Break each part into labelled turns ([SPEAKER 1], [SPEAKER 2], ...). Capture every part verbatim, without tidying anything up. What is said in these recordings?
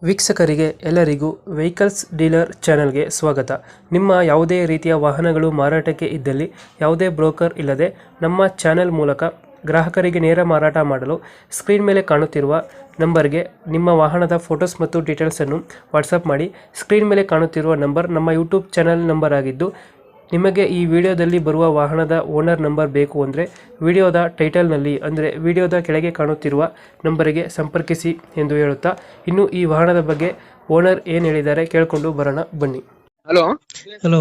[SPEAKER 1] ವೀಕ್ಷಕರಿಗೆ ಎಲ್ಲರಿಗೂ vehicles dealer ಚಾನೆಲ್ಗೆ ಸ್ವಾಗತ. ನಿಮ್ಮ ಯಾವುದೇ ರೀತಿಯ ವಾಹನಗಳು ಮಾರಾಟಕ್ಕೆ ಇದ್ದಲ್ಲಿ ಯಾವುದೇ ಬ್ರೋಕರ್ ಇಲ್ಲದೆ ನಮ್ಮ ಚಾನೆಲ್ ಮೂಲಕ ಗ್ರಾಹಕರಿಗೆ ನೇರ ಮಾರಾಟ ಮಾಡಲು ಸ್ಕ್ರೀನ್ ಮೇಲೆ ಕಾಣುತ್ತಿರುವ ನಂಬರ್ಗೆ ನಿಮ್ಮ ವಾಹನದ ಫೋಟೋಸ್ ಮತ್ತು ಡೀಟೇಲ್ಸನ್ನು ವಾಟ್ಸಪ್ ಮಾಡಿ. ಸ್ಕ್ರೀನ್ ಮೇಲೆ ಕಾಣುತ್ತಿರುವ ನಂಬರ್ ನಮ್ಮ ಯೂಟ್ಯೂಬ್ ಚಾನೆಲ್ ನಂಬರ್ ಆಗಿದ್ದು, ನಿಮಗೆ ಈ ವಿಡಿಯೋದಲ್ಲಿ ಬರುವ ವಾಹನದ ಓನರ್ ನಂಬರ್ ಬೇಕು ಅಂದರೆ ವಿಡಿಯೋದ ಟೈಟಲ್ನಲ್ಲಿ ಅಂದರೆ ವಿಡಿಯೋದ ಕೆಳಗೆ ಕಾಣುತ್ತಿರುವ ನಂಬರಿಗೆ ಸಂಪರ್ಕಿಸಿ ಎಂದು ಹೇಳುತ್ತಾ, ಇನ್ನು ಈ ವಾಹನದ ಬಗ್ಗೆ ಓನರ್ ಏನು ಹೇಳಿದ್ದಾರೆ ಕೇಳಿಕೊಂಡು ಬರೋಣ ಬನ್ನಿ.
[SPEAKER 2] ಹಲೋ
[SPEAKER 1] ಹಲೋ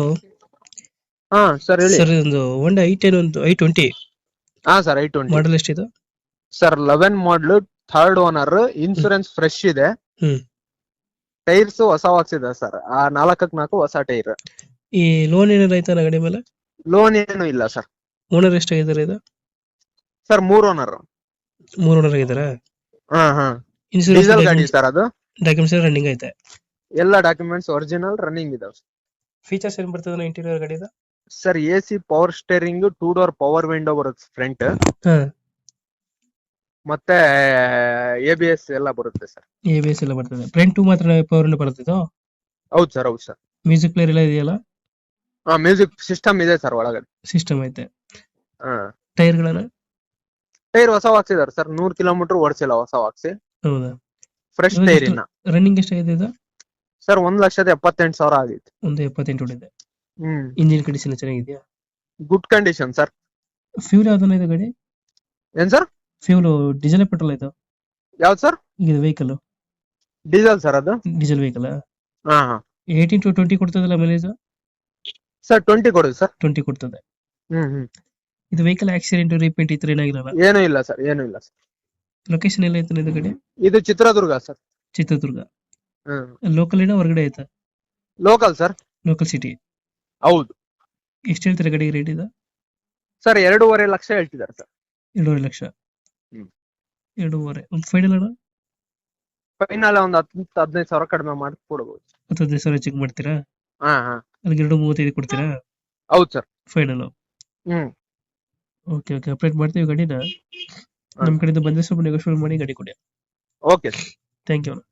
[SPEAKER 2] ಹಾ ಸರ್ ಹೇಳಿ.
[SPEAKER 1] ಸರ್, ಒಂದು ಹೋಂಡಾ ಐ ಟೆನ್ ಒಂದು ಐ ಟ್ವೆಂಟಿ
[SPEAKER 2] ಹಾ ಸರ್ ಐ ಟ್ವೆಂಟಿ
[SPEAKER 1] ಮಾಡಲ್ ಎಷ್ಟಿದೆ
[SPEAKER 2] sir? Eleven model, third owner, insurance fresh ಇದೆ.
[SPEAKER 1] ಹ್ಮ್
[SPEAKER 2] ಟೈರ್ಸ್ ಹೊಸ ಹಾಕ್ಸಿದೆ ಸರ್. ಆ ನಾಲ್ಕಕ್ ನಾಲ್ಕು ಹೊಸ ಟೈರ್.
[SPEAKER 1] ಈ ಲೋನ್ ಏನಾರ ಆಯ್ತಾ ಗಾಡಿ ಮೇಲೆ?
[SPEAKER 2] ಲೋನ್ ಏನು ಇಲ್ಲ ಸರ್.
[SPEAKER 1] ಓನರ್ ಎಷ್ಟಾಗಿದ್ದಾರೆ ಇದು?
[SPEAKER 2] ಸರ್ ಮೂರ್ ಓನರ್.
[SPEAKER 1] ಮೂರು ಓನರ್ ಆಗಿದ್ದಾರೆ.
[SPEAKER 2] ಹಾ ಹಾ
[SPEAKER 1] ಇನ್ಸೂರೆನ್ಸ್
[SPEAKER 2] ಡೀಸೆಲ್ ಗಾಡಿ ಸರ್. ಅದು
[SPEAKER 1] ಡಾಕ್ಯುಮೆಂಟ್ಸ್ ರನ್ನಿಂಗ್ ಐತೆ?
[SPEAKER 2] ಎಲ್ಲ ಡಾಕ್ಯುಮೆಂಟ್ಸ್ ಒರಿಜಿನಲ್ ರನ್ನಿಂಗ್ ಇದಾವೆ
[SPEAKER 1] ಫೀಚರ್ಸ್ ಏನ್ ಬರ್ತದೆ ಇಂಟೀರಿಯರ್ ಗಾಡಿದ?
[SPEAKER 2] Sir. A C, power steering, two door power window ಬರುತ್ತೆ ಫ್ರಂಟ್,
[SPEAKER 1] ಹಾ,
[SPEAKER 2] ಮತ್ತೆ ಎ ಬಿ ಎಸ್ ಎಲ್ಲ ಬರುತ್ತೆ ಸರ್.
[SPEAKER 1] ಎ ಬಿ ಎಸ್ ಎಲ್ಲ ಬರ್ತದೆ. ಫ್ರಂಟ್ ಮಾತ್ರ ಪವರ್ ಬರ್ತದೆ.
[SPEAKER 2] ಹೌದು ಸರ್, ಹೌದು ಸರ್.
[SPEAKER 1] ಮ್ಯೂಸಿಕ್ ಪ್ಲೇಯರ್ ಎಲ್ಲ ಇದೆಯಲ್ಲ?
[SPEAKER 2] ಹಾ, ಮ್ಯೂಸಿಕ್ ಸಿಸ್ಟಮ್ ಇದೆ ಸರ್ ಒಳಗಡೆ.
[SPEAKER 1] ಸಿಸ್ಟಮ್ ಐತೆ.
[SPEAKER 2] ಹಾ,
[SPEAKER 1] ಟೈರ್ ಗಳನ್ನ
[SPEAKER 2] ಟೈರ್ ಹೊಸ ಹಾಕ್ಸಿದಾರೆ ಸರ್. ನೂರ್ ಕಿಲೋಮೀಟರ್ ಓಡಿಸಿಲ್ಲ ಹೊಸ ಹಾಕ್ಸಿ.
[SPEAKER 1] ಹೌದಾ?
[SPEAKER 2] ಫ್ರೆಶ್ ಟೈರ್ ಇನ್ನ.
[SPEAKER 1] ರನ್ನಿಂಗ್ ಎಷ್ಟಾಗಿದೆ ಇದು?
[SPEAKER 2] ಸರ್ ಒಂದ್ ಲಕ್ಷದ ಎಪ್ಪತ್ತೆಂಟು ಸಾವಿರ ಆಗೈತೆ.
[SPEAKER 1] ಒಂದು ಎಪ್ಪತ್ತೆಂಟು ಹೊಡಿದೆ.
[SPEAKER 2] ಹ್ಮ್
[SPEAKER 1] ಇಂಜಿನ್ ಕಂಡೀಷನ್ ಚೆನ್ನಾಗಿದೆಯಾ?
[SPEAKER 2] Good condition sir.
[SPEAKER 1] ಫ್ಯೂಲ್ ಯಾವ್ದನ್ನ ಇದು ಗಾಡಿ?
[SPEAKER 2] ಏನ್ ಸರ್?
[SPEAKER 1] ಫ್ಯೂಲ್ ಡೀಸೆಲ್ ಪೆಟ್ರೋಲ್ ಇದು?
[SPEAKER 2] ಯಾವ್ದು ಸರ್?
[SPEAKER 1] ಇದು ವೆಹಿಕಲ್
[SPEAKER 2] ಡೀಸೆಲ್ ಸರ್. ಅದು
[SPEAKER 1] ಡೀಸೆಲ್ ವೆಹಿಕಲ್.
[SPEAKER 2] ಹಾ ಹಾ
[SPEAKER 1] ಏಯ್ಟೀನ್ ಟು ಟ್ವೆಂಟಿ ಕೊಡ್ತದಲ್ಲ ಮೈಲೇಜ್?
[SPEAKER 2] ಸರ್ ಟ್ವೆಂಟಿ ಕೊಡುದು ಸರ್.
[SPEAKER 1] ಟ್ವೆಂಟಿ ಕೊಡ್ತದೆ.
[SPEAKER 2] ಹ್ಮ್ ಹ್ಮ್
[SPEAKER 1] ಇದು ವೆಹಿಕಲ್ ಆಕ್ಸಿಡೆಂಟ್ ರಿಪೇಂಟ್ ಇತ್ತು ಏನಾಗಿರಲ್ಲ?
[SPEAKER 2] ಏನು ಇಲ್ಲ ಸರ್, ಏನು ಇಲ್ಲ ಸರ್.
[SPEAKER 1] ಲೊಕೇಶನ್ ಎಲ್ಲ ಐತೆ ಇದು ಗಾಡಿ?
[SPEAKER 2] ಇದು Chitradurga sir.
[SPEAKER 1] Chitradurga.
[SPEAKER 2] Hmm
[SPEAKER 1] local ಏನೋ ಹೊರಗಡೆ ಐತಾ?
[SPEAKER 2] Local sir.
[SPEAKER 1] Local city.
[SPEAKER 2] ಹೌದು.
[SPEAKER 1] ಎಷ್ಟು ಹೇಳ್ತಾರೆ ಗಾಡಿಗೆ ರೇಟ್ ಇದು?
[SPEAKER 2] ಸರ್ ಎರಡೂವರೆ ಲಕ್ಷ ಹೇಳ್ತಿದ್ದಾರೆ ಸರ್.
[SPEAKER 1] ಎರಡೂವರೆ ಲಕ್ಷ.
[SPEAKER 2] ಹ್ಮ್
[SPEAKER 1] ಎರಡೂವರೆ. ಒಂದು ಫೈನಲ್ ಅಣ್ಣ?
[SPEAKER 2] ಫೈನಲ್ ಒಂದ್ ಹತ್ತು ಹದಿನೈದು ಸಾವಿರ ಕಡಿಮೆ ಮಾಡಿ ಕೊಡಬಹುದು.
[SPEAKER 1] ಹತ್ತು ಹದಿನೈದು ಸಾವಿರ ಚೆಕ್ ಮಾಡ್ತೀರಾ?
[SPEAKER 2] ಹಾ ಹಾ
[SPEAKER 1] ಅಲ್ಲಿಗೆ ಎರಡು ಮೂವತ್ತೈದು ಕೊಡ್ತೀರಾ?
[SPEAKER 2] ಹೌದು ಸರ್.
[SPEAKER 1] Final.
[SPEAKER 2] Hmm
[SPEAKER 1] okay okay update ಮಾಡ್ತೀವಿ ಗಾಡಿನ. ನಮ್ಮ ಕಡೆಯಿಂದ ಬಂದ್ರೆ ಸ್ವಲ್ಪ ನೆಗೋಷಿಯೇಟ್ ಮಾಡಿ ಗಾಡಿ ಕೊಡಿ.
[SPEAKER 2] Okay sir.
[SPEAKER 1] Thank you.